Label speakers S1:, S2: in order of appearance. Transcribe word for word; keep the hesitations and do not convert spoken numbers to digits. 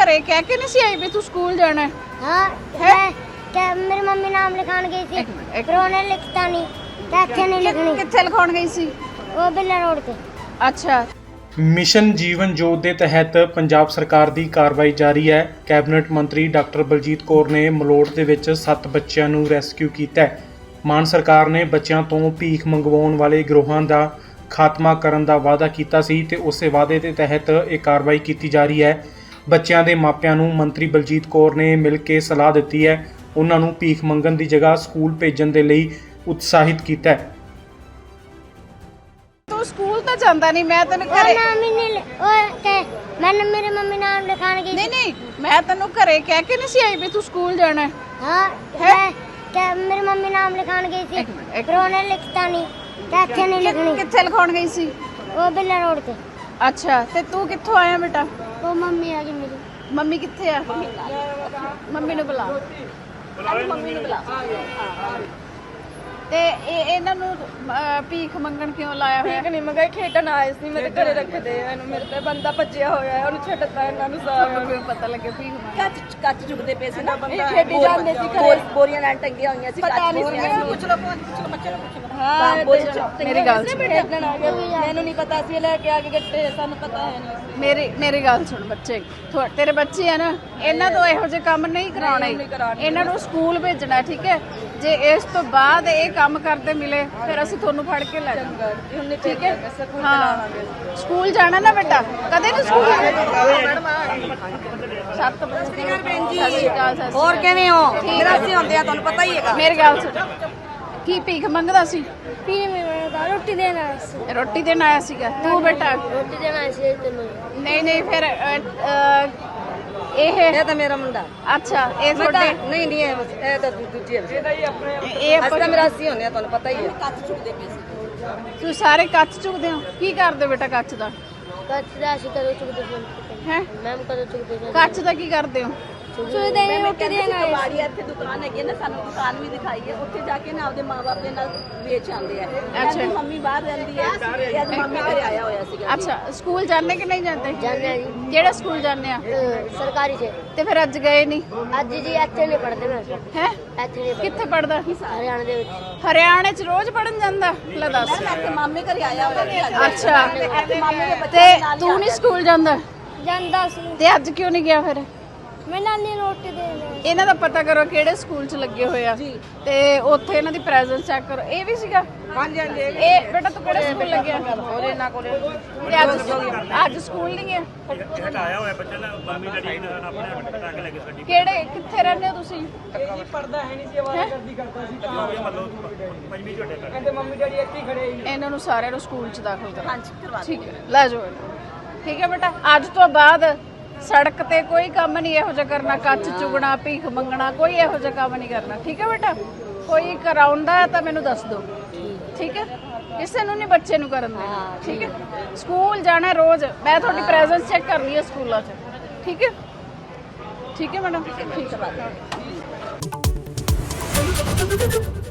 S1: घरे कह के नहीं सी आई भी तू स्कूल जाना है?
S2: हाँ
S1: है?
S2: मैं क्या मेरी मम्मी नाम लिखान गई थी
S1: एक मिनट, एक
S2: पर उन्हें लिखता नहीं क्या अच्छे नहीं लिखनी
S1: कित्थे लिखाउण गई सी?
S2: वो बिल्ला रोड पे।
S1: अच्छा
S3: ਮਿਸ਼ਨ ਜੀਵਨ ਜੋਤ ਦੇ ਤਹਿਤ ਪੰਜਾਬ ਸਰਕਾਰ ਦੀ ਕਾਰਵਾਈ ਜਾਰੀ ਹੈ। ਕੈਬਨਿਟ ਮੰਤਰੀ ਡਾਕਟਰ ਬਲਜੀਤ ਕੌਰ ਨੇ ਮਲੋਟ ਦੇ ਵਿੱਚ ਸੱਤ ਬੱਚਿਆਂ ਨੂੰ ਰੈਸਕਿਊ ਕੀਤਾ ਹੈ। ਮਾਨ ਸਰਕਾਰ ਨੇ ਬੱਚਿਆਂ ਤੋਂ ਭੀਖ ਮੰਗਵਾਉਣ ਵਾਲੇ ਗਿਰੋਹਾਂ ਦਾ ਖਾਤਮਾ ਕਰਨ ਦਾ ਵਾਅਦਾ ਕੀਤਾ ਸੀ ਤੇ ਉਸੇ ਵਾਅਦੇ ਦੇ ਤਹਿਤ ਇਹ ਕਾਰਵਾਈ ਕੀਤੀ ਜਾ ਰਹੀ ਹੈ। ਬੱਚਿਆਂ ਦੇ ਮਾਪਿਆਂ ਨੂੰ ਮੰਤਰੀ ਬਲਜੀਤ ਕੌਰ ਨੇ ਮਿਲ ਕੇ ਸਲਾਹ ਦਿੱਤੀ ਹੈ। ਉਹਨਾਂ ਨੂੰ ਭੀਖ ਮੰਗਣ ਦੀ ਜਗ੍ਹਾ ਸਕੂਲ ਭੇਜਣ ਦੇ ਲਈ ਉਤਸ਼ਾਹਿਤ ਕੀਤਾ ਹੈ।
S1: तू स्कूल तो जांदा नहीं, मैं तेन
S2: और
S1: घरे
S2: नाम ही नहीं लि- और क्या मैंने मेरी मम्मी नाम लिखान गई
S1: नहीं
S2: थी।
S1: नहीं मैं तेन घरे कह के नहीं सी आई भी तू स्कूल जाना है?
S2: हाँ
S1: है?
S2: मैं क्या मेरी मम्मी नाम लिखान गई थी
S1: एक मिनट, एक
S2: पर उन्हें लिखता नहीं क्या अच्छे नहीं लिखनी
S1: कित्थे लिखाउण गई सी?
S2: वो बिल्ला रोड पे।
S1: अच्छा ते तू कित्थों आया बेटा?
S2: वो मम्मी आ गई मेरी।
S1: ਮੰਮੀ ਕਿੱਥੇ ਆ? ਮੰਮੀ ਨੂੰ ਬੁਲਾ ਮੰਮੀ ਨੂੰ ਬੁਲਾ। ਤੇ ਇਹ ਇਹਨਾਂ ਨੂੰ ਅਹ, ਭੀਖ ਮੰਗਣ ਕਿਉਂ ਲਾਇਆ ਹੋਇਆ?
S4: ਠੀਕ ਨਹੀਂ ਮਗਾ ਖੇਡਣ ਆਏ ਸੀ ਮੇਰੇ ਘਰੇ ਰੱਖਦੇ ਆ ਇਹਨੂੰ ਮੇਰੇ ਤੇ ਬੰਦਾ ਭੱਜਿਆ ਹੋਇਆ ਹੈ ਉਹਨੂੰ ਛੱਡਤਾ ਇਹਨਾਂ ਨੂੰ ਸਾਰਿਆਂ
S1: ਤੁਹਾਨੂੰ
S4: ਨੂੰ
S1: ਕਿਉਂ ਪਤਾ ਲੱਗੇ ਭੀਖ ਮੰਗਣ?
S5: ਕੱਚ ਕੱਚ ਚੁਗਦੇ ਪਏ ਸੀ ਨਾ
S4: ਇਹ ਖੇਡੀ ਜਾਂਦੇ ਸੀ ਘਰੇ
S5: ਬੋਰੀਆਂ ਨਾਲ ਟੰਗੀਆਂ ਹੋਈਆਂ ਸੀ
S4: ਪਤਾ ਨਹੀਂ ਸੀ
S5: ਸੀ
S4: ਪੁੱਛ
S5: ਲੋ ਪੁੱਛ ਲੋ ਬੱਚੇ ਨੂੰ ਪੁੱਛ ਲੋ
S4: ਹਾਂ
S5: ਬੋਰੀ
S1: ਮੇਰੀ ਗੱਲ ਸੁਣ
S4: ਖੇਡਣ ਆ ਗਏ ਮੈਨੂੰ ਨਹੀਂ ਪਤਾ ਸੀ ਇਹ ਲੈ ਕੇ ਆ ਕੇ ਗੱਟੇ ਸਾਨੂੰ ਪਤਾ ਹੈ ਨਹੀਂ
S1: ਮੇਰੀ ਮੇਰੀ ਗੱਲ ਸੁਣ ਬੱਚੇ, ਤੁਹਾ- ਤੇਰੇ ਬੱਚੇ ਆ ਨਾ, ਇਹਨਾਂ ਤੋਂ ਇਹੋ ਜਿਹੇ ਕੰਮ ਨਹੀਂ ਕਰਾਉਣੇ। ਇਹਨਾਂ ਨੂੰ ਸਕੂਲ ਭੇਜਣਾ, ਠੀਕ ਹੈ? ਜੇ ਇਸ ਤੋਂ ਬਾਅਦ ਇਹ ਕੰਮ ਕਰਦੇ ਮਿਲੇ ਫਿਰ ਅਸੀਂ ਤੁਹਾਨੂੰ ਫੜ ਕੇ ਲੈ ਜਾਵਾਂਗੇ, ਠੀਕ ਹੈ? ਹਾਂ ਸਕੂਲ ਜਾਣਾ ਨਾ ਬੇਟਾ, ਕਦੇ ਨਹੀਂ ਸਕੂਲ ਸੱਤ ਵਜੇ ਸਤਿ ਸ਼੍ਰੀ ਅਕਾਲ। ਸਤਿ ਸ਼੍ਰੀ
S5: ਹੋਰ
S1: ਅਕਾਲ।
S5: ਕਿਵੇਂ ਹੋ ਮੇਰਾ ਅਸੀਂ ਹੁੰਦੇ ਆ ਤੁਹਾਨੂੰ ਪਤਾ ਹੀ ਹੈਗਾ।
S1: ਮੇਰੀ ਗੱਲ ਸੁਣ, ਕੀ ਭੀਖ ਮੰਗਦਾ ਸੀ?
S2: पीने में मेरा था रोटी देना है
S1: ਰੋਟੀ ਦੇਣ ਆਇਆ ਸੀਗਾ ਤੂੰ ਬੇਟਾ?
S2: रोटी देना है इसे तेनों।
S1: ਨਹੀਂ ਨਹੀਂ ਫਿਰ ਅ, ਅ, ਇਹ
S5: ਇਹ ਤਾਂ ਮੇਰਾ ਮੁੰਡਾ
S1: ਅੱਛਾ ਇਹ
S5: ਮੈਂ ਤਾਂ
S1: ਤੁਹਾਡੇ
S5: ਨਹੀਂ ਨਹੀਂ ਇਹ ਇਹ ਤਾਂ ਦੂ- ਦੂਜੀ ਹੈ
S1: ਇਹ
S5: ਅਸੀਂ ਤਾਂ
S1: ਆਪਾਂ
S5: ਮੇਰਾ ਅਸੀਂ ਹੁੰਦੇ ਆ ਤੁਹਾਨੂੰ ਪਤਾ ਹੀ ਹੈ। ਕੱਚ ਚੁਗਦੇ ਪਏ ਸੀ
S1: ਤੁਸੀਂ ਸਾਰੇ ਕੱਚ ਚੁਗਦੇ ਹੋ? ਕੀ ਕਰਦੇ ਹੋ ਬੇਟਾ ਕੱਚ ਦਾ?
S2: कच्छ दासी करो चुक दे
S1: ਹੈ
S2: मैम करो चुक दे
S1: ਕੱਚ ਦਾ ਕੀ ਕਰਦੇ ਹੋ?
S2: चुक देने रोटी देना है।
S5: ਬਾੜੀ ਇੱਥੇ ਦੁਕਾਨ ਹੈਗੀ ਹੈ ਨਾ, ਸਾਨੂੰ ਦੁਕਾਨ ਵੀ ਦਿਖਾਈ ਹੈ, ਉੱਥੇ ਜਾ ਕੇ ਨਾ ਆਪਦੇ ਮਾਪੇ ਦੇ ਨਾਲ ਵੇਚ ਆਉਂਦੇ ਆ। ਇਹਦੀ ਮੰਮੀ ਬਾਹਰ ਰਹਿੰਦੀ ਹੈ ਤੇ ਅੱਜ ਮੰਮੀ ਘਰੇ ਆਇਆ ਹੋਇਆ ਸੀਗਾ।
S1: ਅੱਛਾ ਸਕੂਲ ਜਾਂਦੇ ਕਿ ਨਹੀਂ ਜਾਂਦੇ?
S2: जाने हैं जी
S1: ਕਿਹੜਾ ਸਕੂਲ ਜਾਂਦੇ ਆ?
S2: अ, सरकारी से
S1: ਤੇ ਫਿਰ ਅੱਜ ਗਏ ਨਹੀਂ?
S2: ਅੱਜ ਜੀ ਇੱਥੇ ਨਹੀਂ ਪੜਦੇ ਮੈਂ
S1: ਹੈ
S2: ਇੱਥੇ ਨਹੀਂ ਪੜ੍ਹਦੇ।
S1: ਕਿੱਥੇ ਪੜਦਾ?
S2: ਹਰਿਆਣਾ ਦੇ ਵਿੱਚ।
S1: ਹਰਿਆਣੇ ਚ ਰੋਜ਼ ਪੜਨ ਜਾਂਦਾ? ਲੈ ਦੱਸ।
S5: ਇੱਥੇ ਮਾਮੇ ਘਰੇ ਆਇਆ ਹੋਇਆ ਸੀ ਅੱਜ।
S1: ਅੱਛਾ
S5: ਇੱਥੇ ਮਾਮੇ ਦੇ ਬੱਚੇ
S1: ਤੇ
S5: ਨਾਲ ਹੀ
S1: ਤੂੰ ਨਹੀਂ ਸਕੂਲ ਜਾਂਦਾ
S2: ਜਾਂਦਾ ਸੀ
S1: ਤੇ ਅੱਜ ਕਿਉਂ ਨਹੀਂ ਗਿਆ ਫਿਰ?
S2: ਮੈਂ ਨਾਨੀ ਰੋਟੀ ਦੇਣਾ
S1: ਇਹਨਾਂ ਦਾ ਪਤਾ ਕਰੋ ਕਿਹੜੇ ਸਕੂਲ ਚ ਲੱਗੇ ਹੋਏ ਆ ਤੇ ਉੱਥੇ ਇਹਨਾਂ ਦੀ ਪ੍ਰੈਜ਼ੈਂਸ ਚੈੱਕ ਕਰੋ। ਇਹ ਵੀ ਸੀਗਾ?
S5: ਹਾਂਜੀ ਹਾਂਜੀ
S1: ਇਹ ਬੇਟਾ ਤੂੰ ਕਿਹੜੇ ਸਕੂਲ ਲੱਗਿਆ?
S5: ਉਹਦੇ ਇਹਨਾਂ ਕੋਲੇ
S1: ਤੇ ਅੱਜ ਅੱਜ ਸਕੂਲ ਨਹੀਂ ਗਿਆ?
S6: ਹਟਾਇਆ ਹੋਇਆ ਬੱਚਾ ਨਾ, ਮੰਮੀ ਡੈਡੀ ਨੇ ਆਪਣੇ ਟੱਕ ਲੈ ਕੇ ਸਾਡੀ
S1: ਕਿਹੜੇ ਕਿੱਥੇ ਰਹਿੰਦੇ ਹੋ ਤੁਸੀਂ?
S4: ਪੜਦਾ ਹੈ ਨਹੀਂ ਸੀ ਆਵਾਜ਼ ਕਰਦੀ ਕਰਦਾ ਸੀ
S6: ਮਤਲਬ ਪੰਜਵੀਂ ਝੋਟੇ ਕਰ
S4: ਕਹਿੰਦੇ ਮੰਮੀ ਡੈਡੀ ਇੱਥੇ ਹੀ ਖੜੇ ਸੀ।
S1: ਇਹਨਾਂ ਨੂੰ ਸਾਰਿਆਂ ਨੂੰ ਸਕੂਲ ਚ ਦਾਖਲ ਕਰੋ।
S5: ਹਾਂਜੀ ਕਰਵਾ
S1: ਠੀਕ ਹੈ ਲੈ ਜਾਓ ਇਹਨੂੰ। ਠੀਕ ਹੈ ਬੇਟਾ, ਅੱਜ ਤੋਂ ਬਾਅਦ ਸੜਕ ਤੇ ਕੋਈ ਕੰਮ ਨਹੀਂ ਇਹੋ ਜਿਹਾ ਕਰਨਾ, ਕੱਚ ਚੁਗਣਾ, ਭੀਖ ਮੰਗਣਾ, ਕੋਈ ਇਹੋ ਜਿਹਾ ਕੰਮ ਨਹੀਂ ਕਰਨਾ। ਠੀਕ ਹੈ ਬੇਟਾ? ਕੋਈ ਕਰਾਉਂਦਾ ਤਾਂ ਮੈਨੂੰ ਦੱਸ ਦਿਓ, ਠੀਕ ਹੈ? ਕਿਸੇ ਨੂੰ ਨਹੀਂ ਬੱਚੇ ਨੂੰ ਕਰਨ ਦੇਣਾ, ਠੀਕ ਹੈ? ਸਕੂਲ ਜਾਣਾ ਰੋਜ਼, ਮੈਂ ਤੁਹਾਡੀ ਪ੍ਰੈਜ਼ੈਂਸ ਚੈੱਕ ਕਰਨੀ ਹੈ ਸਕੂਲਾਂ 'ਚ, ਠੀਕ ਹੈ? ਠੀਕ ਹੈ ਮੈਡਮ, ਠੀਕ ਹੈ।